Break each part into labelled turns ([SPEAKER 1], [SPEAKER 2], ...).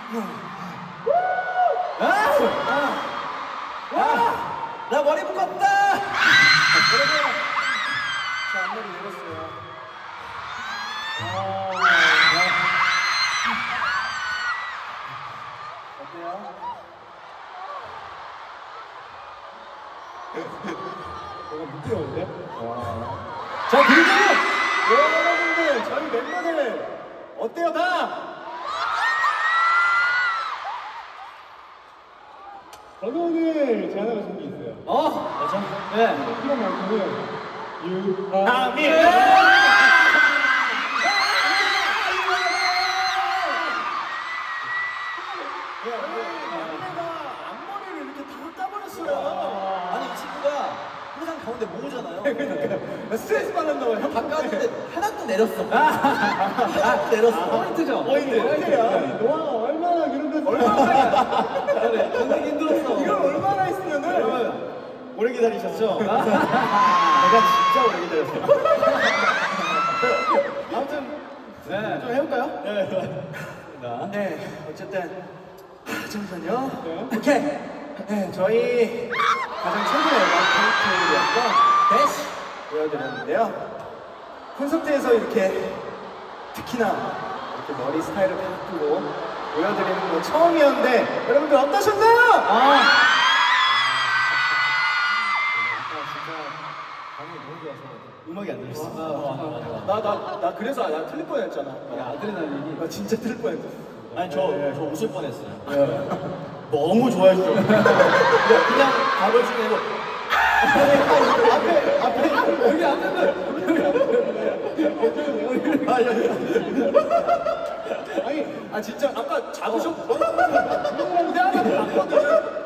[SPEAKER 1] 나 머리 묶었다.
[SPEAKER 2] 여러분, 저 앞머리 내렸어요. 어때요? 뭔가 부끄러운데? 자, 그리고 여러분들, 저희 멤버들 어때요, 다? 저도 오늘 제안하고 싶은 게 있어요.
[SPEAKER 1] 맞아. 네.
[SPEAKER 2] 이런 만큼은 유하민. 앞머리를 이렇게 다 따버렸어요.
[SPEAKER 1] 아니 이 친구가 항상 가운데 모으잖아요.
[SPEAKER 2] 그러니까 스트레스 받았나 봐요. 형
[SPEAKER 1] 바꿨는데 하나도 내렸어. 하나도 내렸어. 포인트죠.
[SPEAKER 2] 포인트야. 너가 얼마나 그런 거 얼마나
[SPEAKER 1] 그래. 견디기 힘들었어.
[SPEAKER 2] 이걸 얼마나 했으면은
[SPEAKER 1] 여러분 오래 기다리셨죠? 내가 진짜 오래 기다렸어요.
[SPEAKER 2] 아무튼
[SPEAKER 1] 네.
[SPEAKER 2] 좀 해볼까요?
[SPEAKER 1] 네.
[SPEAKER 2] 네. 어쨌든 잠시만요.
[SPEAKER 1] 네.
[SPEAKER 2] 오케이. 네, 저희 가장 최근에 콘서트였던 대시 보여드렸는데요. 콘서트에서 이렇게 특히나 이렇게 머리 스타일을 바꾸고 보여드리는 건 처음이었는데 여러분들 어떠셨나요?
[SPEAKER 1] 음악이 안 들렸어.
[SPEAKER 2] 나 그래서 나 틀릴 뻔했잖아.
[SPEAKER 1] 야, 아드레날린이.
[SPEAKER 2] 나 진짜 틀릴 뻔했어.
[SPEAKER 1] 아니 저 웃을 뻔했어요. 너무 좋아해 주죠. 그냥 바로 중에 앞에 여기
[SPEAKER 2] 아니, 진짜 아까 잡으셨. 근데 하나 봤거든.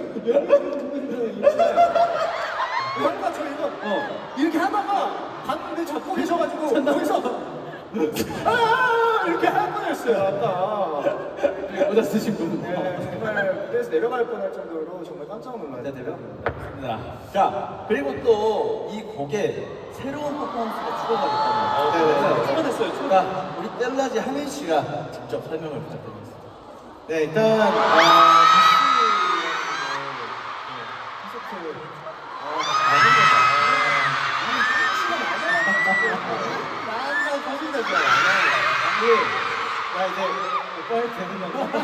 [SPEAKER 2] 아까 저 이거 이렇게 하다가 봤는데 잡고 계셔가지고 거기서 이렇게 할 뻔했어요 아까.
[SPEAKER 1] 모자 쓰신 분.
[SPEAKER 2] 네, 정말 무대에서 내려갈 뻔할 정도로 정말 깜짝 놀랐어요.
[SPEAKER 1] 네, 내려갑니다. 자, 그리고 또 이 곡에 새로운 퍼포먼스가 추가가 됐다면.
[SPEAKER 2] 추가됐어요.
[SPEAKER 1] 그러니까 우리 뗄라지 하민 씨가 직접 설명을 부탁드리겠습니다.
[SPEAKER 2] 네, 일단 나 이제 오빠 해도 되는 건가?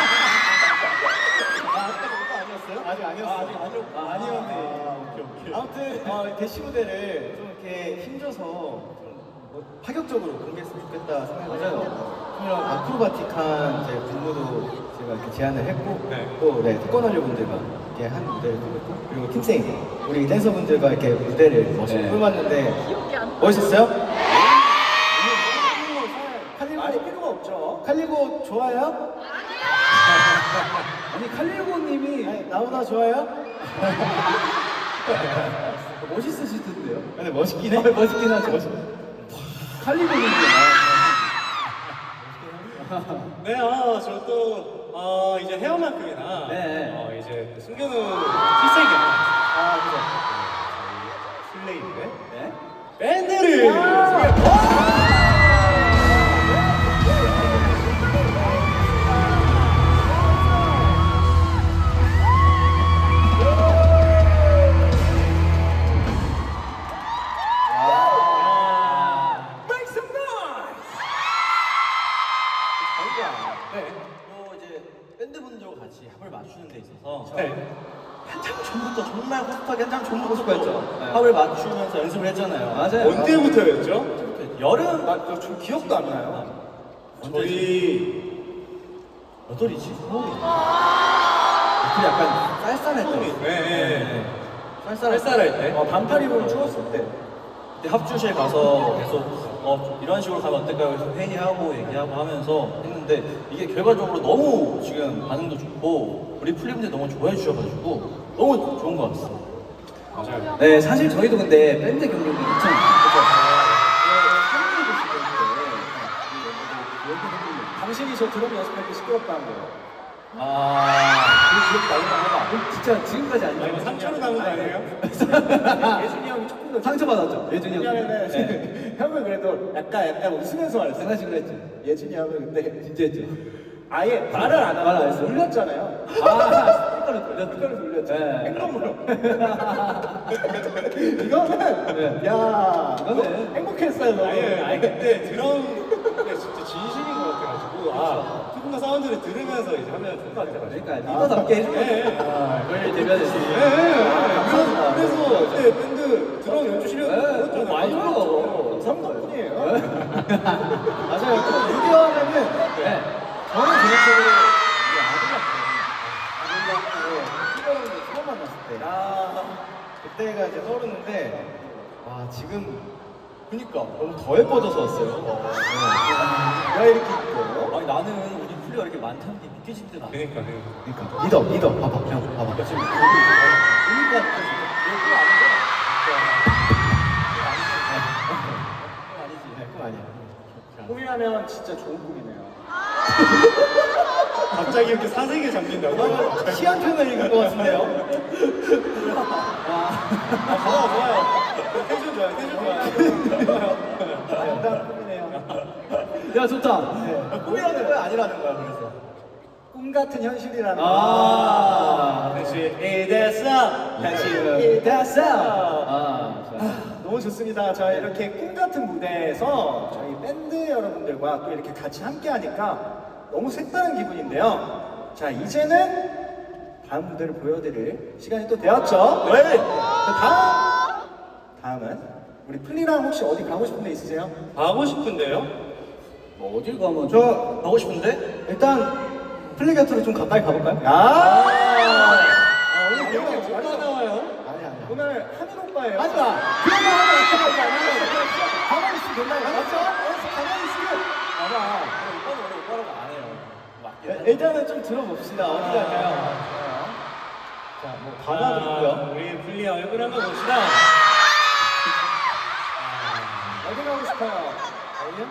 [SPEAKER 1] 아까 오빠 아니었어요?
[SPEAKER 2] 아직 아니었어.
[SPEAKER 1] 아직 아니었고.
[SPEAKER 2] 아니었네.
[SPEAKER 1] 오케이.
[SPEAKER 2] 아무튼 대시 무대를 좀 이렇게 힘줘서 좀 파격적으로 공개했으면 좋겠다 생각해요. 이런 아크로바틱한 이제 군무도 제가 이렇게 제안을 했고 또 태권하려 분들과 이렇게 한 무대를 꾸몄고 그리고 팀생 우리 댄서분들과 이렇게 무대를 멋있게 꾸몄는데 멋있었어요? 많이 필요가 없죠. 칼리고 좋아요?
[SPEAKER 1] 아니 칼리고님이
[SPEAKER 2] 아니, 나보다 좋아요?
[SPEAKER 1] 멋있으시던데요?
[SPEAKER 2] 근데 멋있긴 해.
[SPEAKER 1] 멋있긴 하죠. 칼리고님이
[SPEAKER 3] 네, 저도 이제 헤어만큼이나
[SPEAKER 1] 네.
[SPEAKER 3] 이제 숨겨놓은 필살기나
[SPEAKER 2] 그죠.
[SPEAKER 3] 슬레이브의
[SPEAKER 1] 네.
[SPEAKER 3] 밴드를
[SPEAKER 2] Make some noise!
[SPEAKER 1] 저희가 또 이제 밴드분들과 같이 합을 맞추는 데 있어서 한참 전부터 정말 호흡하기 한참 전부터 합을 맞추면서 연습을 했잖아요. 맞아요.
[SPEAKER 3] 언제부터였죠?
[SPEAKER 1] 여름
[SPEAKER 2] 저 기억도 안 나요.
[SPEAKER 3] 저희
[SPEAKER 1] 몇 월이지? 4월이. 그 약간 쌀쌀할 때.
[SPEAKER 3] 네.
[SPEAKER 1] 쌀쌀할 때.
[SPEAKER 2] 반팔 입으면 추웠을 때.
[SPEAKER 1] 그때 합주실 가서 계속 이런 식으로 가면 어떨까요? 그래서 회의하고 얘기하고 하면서 했는데 이게 결과적으로 너무 지금 반응도 좋고 우리 플리분들 너무 좋아해 주셔가지고 너무 좋은 것 같습니다.
[SPEAKER 3] 맞아요.
[SPEAKER 1] 네, 사실 저희도 근데 밴드 경력이 2000
[SPEAKER 2] 당신이 저 드럼 연습할 때 시끄럽다는 거예요.
[SPEAKER 1] 그렇게 나오나 진짜 지금까지 안
[SPEAKER 3] 이거 상처로 남은 거 아니에요?
[SPEAKER 2] 예준이 형이 조금 더
[SPEAKER 1] 상처받았죠? 예준이 형.
[SPEAKER 2] 왜냐면은 형은 그래도 약간 웃으면서 말했어.
[SPEAKER 1] 장난식으로 했지.
[SPEAKER 2] 예준이 형은 근데
[SPEAKER 1] 진짜 했죠.
[SPEAKER 2] 아예 말을 안 하고
[SPEAKER 1] 말을 안 했어요?
[SPEAKER 2] 돌렸잖아요.
[SPEAKER 1] 스피커를 돌렸죠.
[SPEAKER 2] 스피커를 돌렸죠.
[SPEAKER 1] 네.
[SPEAKER 2] 행동으로. 이거는 야
[SPEAKER 1] 이거는
[SPEAKER 2] 행복했어요. 너무.
[SPEAKER 3] 아니 그때 드럼 게 진짜 진심인 것 같아가지고 조금 더 사운드를 들으면서 이제 하면 좋을 것 같아가지고.
[SPEAKER 1] 그러니까 리더답게 해주면 저희를 대변했으니.
[SPEAKER 3] 그래서 그때 밴드 드럼 연주 실력 보였잖아요.
[SPEAKER 1] 많이 들어.
[SPEAKER 2] 감사합니다. 덕분이에요. 맞아요. 또 6개월에는
[SPEAKER 1] 네.
[SPEAKER 2] 저는 개인적으로 우리 아들 같고 희경을 처음 만났을 때 그때가 이제 떠오르는데 와 지금
[SPEAKER 1] 그니까.
[SPEAKER 2] 너무 더 예뻐져서 왔어요. 왜 이렇게 이뻐요?
[SPEAKER 1] 아니 나는 우리 플리가 이렇게 많다는 게 믿겨지지도 않아.
[SPEAKER 3] 그러니까.
[SPEAKER 2] 그러니까 리더 봐봐 형 봐봐
[SPEAKER 1] 지금 보니까 이거 아니죠? 아니지.
[SPEAKER 2] 그거 아니야. 꿈이라면 진짜 좋은 꿈이네요.
[SPEAKER 3] 갑자기 이렇게 사색에 잠긴다고?
[SPEAKER 2] 시한편을 읽은 것 같은데요?
[SPEAKER 3] 좋아요. 텐션 좋아요. 텐션 좋아요.
[SPEAKER 2] 아름다운 꿈이네요.
[SPEAKER 1] 야 좋다.
[SPEAKER 2] 꿈이라는 거야 아니라는 거야 그래서 꿈 같은 현실이라는
[SPEAKER 3] 현실이 됐어.
[SPEAKER 2] 현실이 됐어. 너무 좋습니다. 자 이렇게 꿈 같은 무대에서 저희 밴드 여러분들과 또 이렇게 같이 함께 하니까 너무 색다른 기분인데요. 자 이제는 다음 무대를 보여드릴 시간이 또 되었죠.
[SPEAKER 3] 네.
[SPEAKER 2] 다음은 우리 플리랑 혹시 어디 가고 싶은 데 있으세요?
[SPEAKER 3] 가고 싶은데요?
[SPEAKER 1] 뭐 어딜 가면
[SPEAKER 2] 저
[SPEAKER 1] 가고 싶은데?
[SPEAKER 2] 일단 플리 곁으로 좀 가까이 가볼까요? 오늘
[SPEAKER 3] 이렇게
[SPEAKER 2] 기억이
[SPEAKER 3] 뭐가 나와요?
[SPEAKER 2] 아니 오늘 하민 오빠예요.
[SPEAKER 1] 하지 마.
[SPEAKER 2] 그런 거 하면 어떡하지? 가만히 있으면 된다고. 맞죠? 가만히 있으면. 봐봐.
[SPEAKER 1] 오빠는 원래 오빠라고 안 해요. 맞긴 해.
[SPEAKER 2] 일단은 좀 들어봅시다. 어디 갈까요? 자, 뭐 바다도 있고요.
[SPEAKER 3] 우리 플리아 얼굴 한번 봅시다.
[SPEAKER 2] 어디 가고 싶어요? 어디요?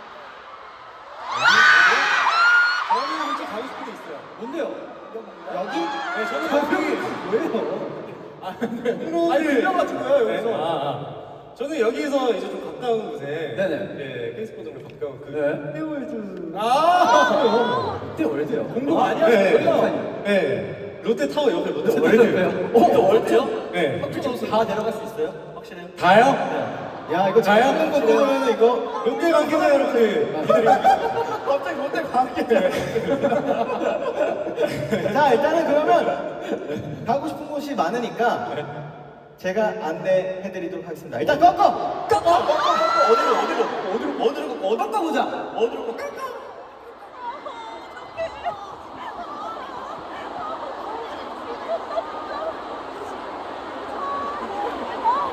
[SPEAKER 2] 저는 혹시 가고 싶은 데 있어요. 뭔데요? 여기? 네, 저는 여기. 왜요? 아니 들려가지고요 여기서.
[SPEAKER 3] 저는 여기서 이제 좀 가까운 곳에
[SPEAKER 1] 네네.
[SPEAKER 3] 예, 페이스포동으로 가까운 그
[SPEAKER 1] 네.
[SPEAKER 3] 롯데월드.
[SPEAKER 1] 그때 월드요.
[SPEAKER 2] 공부 많이
[SPEAKER 3] 네.
[SPEAKER 2] 하셨어요.
[SPEAKER 3] 네. 롯데타워 옆에 롯데월드.
[SPEAKER 1] 또 월드요?
[SPEAKER 3] 네.
[SPEAKER 1] 다 내려갈 수 있어요? 확실해요?
[SPEAKER 3] 다요?
[SPEAKER 2] 야 이거
[SPEAKER 3] 자요?
[SPEAKER 2] 자연 거 보면 이거
[SPEAKER 3] 롯데 관계자 여러분.
[SPEAKER 2] 갑자기 롯데 가게. 자 일단은 그러면 가고 싶은 곳이 많으니까 제가 안내해드리도록 하겠습니다. 일단 꺾어.
[SPEAKER 1] 어디로 꺾어 보자. 어디로 꺾어?